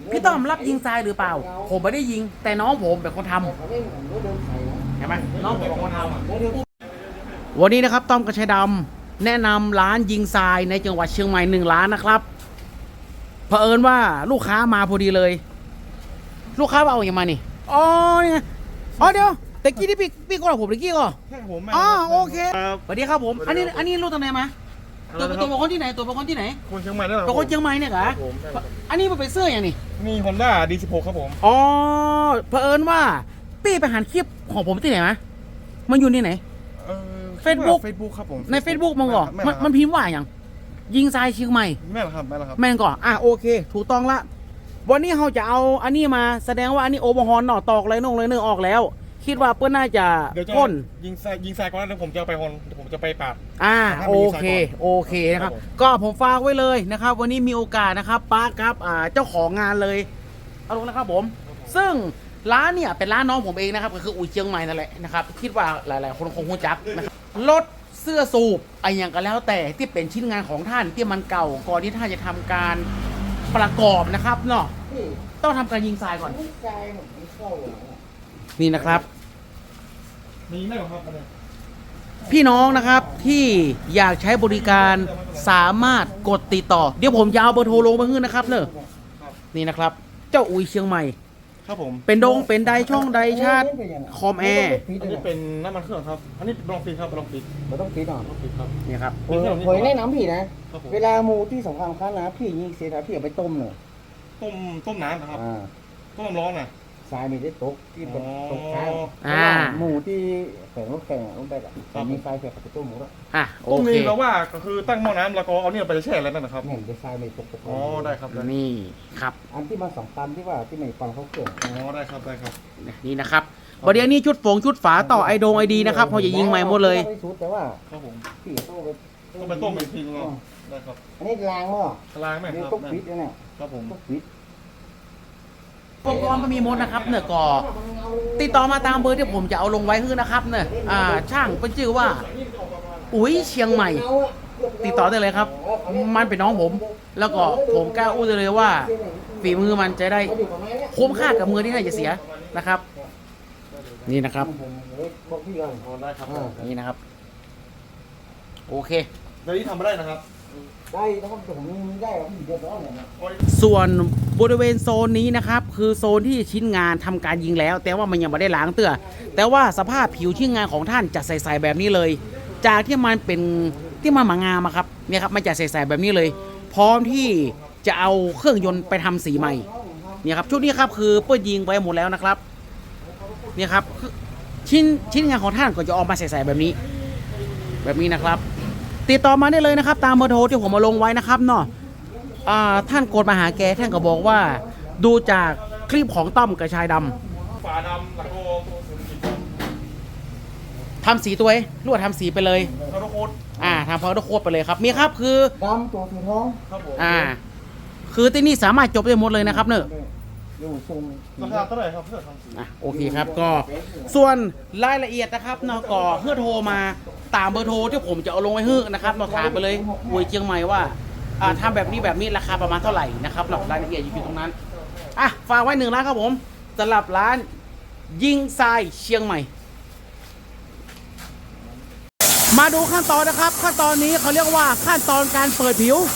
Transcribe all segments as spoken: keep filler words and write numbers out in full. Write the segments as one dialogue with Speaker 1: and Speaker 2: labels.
Speaker 1: พี่ต้อมรับยิงทรายหรือเปล่าผมไม่ได้ยิงแต่น้องผมเป็นคนทำเห็นไหมน้องผมเป็นคนทำวันนี้นะครับต้อมกระชัยดำแนะนำร้านยิงทรายในจังหวัดเชียงใหม่หนึ่งร้านนะครับเผอิญว่าลูกค้ามาพอดีเลยลูกค้าเอาอย่างมานี่อ๋อเนี่ยอ๋อเดี๋ยวแต่กี้ที่พี่พี่ก็หรอผมตะกี้ก็
Speaker 2: ใช่ผม
Speaker 1: อ๋อโอเคสวัสดีครับผมอันนี้อันนี้ลูกตรงไหนมาตัวตัวเป็นคนที่ไหนตัวเป็นคนที่ไหน
Speaker 2: คนเชียงใหม่นั่นแหละ
Speaker 1: เป็นคนเชียงใหม่เนี่ยเหรออันนี้มันเป็นเสื้ออย่างนี้
Speaker 2: มี Honda ดี สิบหก ครับผม
Speaker 1: อ๋อเผอิญว่าพี่ไปหันคลิปของผมที่ไหนมามันอยู่ที่ไหน
Speaker 2: เฟซบุ๊กเฟซบุ๊กครับผม
Speaker 1: ใน Facebook มันก่อนมันพิมพ์ว่าอย่างยิงทรายเชียงใหม่
Speaker 2: แม่นครับแม่นครับ
Speaker 1: แม่นก่อนอ่ะโอเคถูกต้องละวันนี้เราจะเอาอันนี้มาแสดงว่าอันนี้โอเวอร์ฮอนหน่อตอกเลยนงเลยเนื้อออกแล้วคิดว่าเพื่อนน่าจะพ่น
Speaker 2: ยิงทรายยิงทรายก่อนแล้วผมจะไปฮอนผมจะไปปาด
Speaker 1: อ่าโอเคโอเคนะครับก็ผมฝากไว้เลยนะครับวันนี้มีโอกาสนะครับป้าครับอ่าเจ้าของงานเลยเอาลงนะครับผมซึ่งร้านเนี่ยเป็นร้านน้องผมเองนะครับก็คืออุ้ยเชียงใหม่นั่นแหละนะครับคิดว่าหลายๆคนคงรู้จักนะครับรถเสื้อสูบไอ้อย่างก็แล้วแต่ที่เป็นชิ้นงานของท่านที่มันเก่าก่อนที่ท่านจะทำการประกอบนะครับเนาะต้องทำการยิงทรายก่อนนี่นะครับ
Speaker 2: มีไหมครับ
Speaker 1: พี่น้องนะครับที่อยากใช้บริการสามารถกดติดต่อเดี๋ยวผมจะเอาเบอร์โทรลงมาให้นะครับเนอะนี่นะครับเจ้าอุ้ยเชียงใหม่
Speaker 2: ครับผม
Speaker 1: เป็นดงเป็นไดช่องไดชาร์จคอมแอร์
Speaker 2: อันนี้เป็นน้ำมันเครื่องครับอันนี้ลองปิดครับลองปิด
Speaker 3: เราต้องปิดหน่อย
Speaker 2: ต้องปิดครับ
Speaker 1: นี่ครับ
Speaker 3: เผยแนะนำพี่นะเวลาหมูที่สำคัญคั้นนะพี่ยิงเสียนะพี่เอาไปต้มหน่อย
Speaker 2: ต้มต้มน้ำนะครับต้มร้อนนะ
Speaker 3: ทรายมีได้ตกที่ตกข้าวหมูที่แข็งรถแข็งลงไปอ่ะมีทรายแข็งกับต้มหมูแล้ว
Speaker 1: อ่ะ
Speaker 2: ต้มนี่เราว่าก็คือตั้งหม้อน้ำแล้วก็เอาเนี่ยไปแช่แล้วนะครับ
Speaker 3: เห็นได้ทรายไม่ตก
Speaker 2: อ๋อได้ครับ
Speaker 1: นี่ครับ
Speaker 3: อันที่มาสองตันที่ว่าที่ไม่ฟังเขาเกิด
Speaker 2: อ๋อได้ครับได้ครับ
Speaker 1: นี่นะครับประเดี๋ยวนี้ชุดฝงชุดฝาต่อไอโดงไอดีนะครับเขาจะยิงใหม่หมดเลย
Speaker 3: แต่ว่า
Speaker 2: ครับผม
Speaker 3: พี่ต้องไป
Speaker 2: ต้องไปต้มอีกทีนึงได้ครับ
Speaker 3: อันนี้ล้างหม้อ
Speaker 2: ล้างไหมครับ
Speaker 3: ต้องปิดเนี่ย
Speaker 2: ครับผม
Speaker 3: ต้องปิด
Speaker 1: อุปกรณ์มันมีหมดนะครับเนี่ยก็ติดต่อมาตามเบอร์ที่ผมจะเอาลงไว้คือนะครับเนี่ยอ่าช่างเป็นชื่อว่าอุ้ยเชียงใหม่ติดต่อได้เลยครับมันเป็นน้องผมแล้วก็ผมกล้าอู้ได้เลยว่าฝีมือมันจะได้คุ้มค่ากับมือที่น่าจะเสียนะครับนี่นะครับนี่นะครับโอเค
Speaker 2: เดี๋ยวนี้ทำไม่ได้นะครับ
Speaker 3: ได้นะครับผมมีได้ครับพี่เดือดร้อนเนี่ย
Speaker 1: ส่วนบริเวณโซนนี้นะครับคือโซนที่ชิ้นงานทำการยิงแล้ว แต่ว่ามันยังไม่ได้ล้างเตื้อแต่ว่าสภาพผิวชิ้นงานของท่านจะใสๆแบบนี้เลยจากที่มันเป็นที่มันหมางามครับเนี่ยครับมันจะใสๆแบบนี้เลย พร้อมที่จะเอาเครื่องยนต์ไปทำสีใหม่เนี่ยครับชุดนี้ครับคือเปิดยิงไปหมดแล้วนะครับเนี่ยครับชิ้นชิ้นงานของท่านก็จะออกมาใสๆแบบนี้แบบนี้นะครับติดต่อมาได้เลยนะครับตามเบอร์โทรที่ผมมาลงไว้นะครับเนาะท่านกดมาหาแกท่านก็บอกว่าดูจากคลิปของต้อมกระชายดำ
Speaker 2: ฝาดำแล้วก็
Speaker 1: ทำสีตัวเองลวดทำสีไปเลย
Speaker 2: พาวเดอร์โค้ด
Speaker 1: อ่าทำพาวเดอร์โค้ดไปเลยครับมีครับคือ
Speaker 3: ดำตัวสีทอง
Speaker 2: ครับผม
Speaker 1: อ่าคือที่นี่สามารถจบได้หมดเลยนะครับเนอะ
Speaker 2: ราคาเท่าไหร่ครับเพื่อทำสี
Speaker 1: อ่ะโอเคครับก็ส่วนรายละเอียดนะครับเนาะก็เพื่อโทรมาตามเบอร์โทรที่ผมจะเอาลงไว้ให้นะครับเราถามไปเลยอุ้ยเชียงใหม่ว่าอ่าทำแบบนี้แบบนี้ราคาประมาณเท่าไหร่นะครับรายละเอียดอยู่ตรงนั้นอ่ะฝากไว้หนึ่งร้านครับผมสำหรับร้านยิงทรายเชียงใหม่มาดูขั้นตอนนะครับขั้นตอนนี้เขาเรียกว่าขั้นตอนการเปิดผิว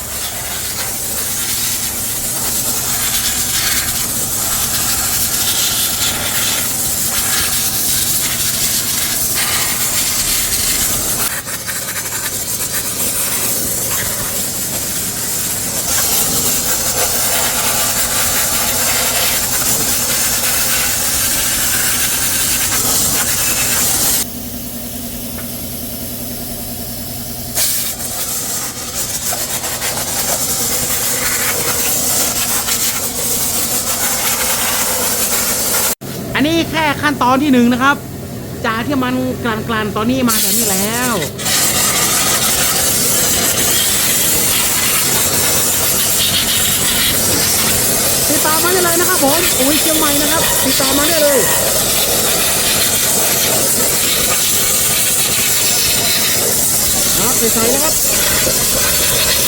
Speaker 1: อันนี้แค่ขั้นตอนที่หนึ่งนะครับจากที่มันกลั่นๆตอนนี้มาแบบนี้แล้วติดต่อมาได้เลยนะครับผมอุ้ยเชียงใหม่นะครับติดต่อมาได้เลยครับใส่ๆนะครับ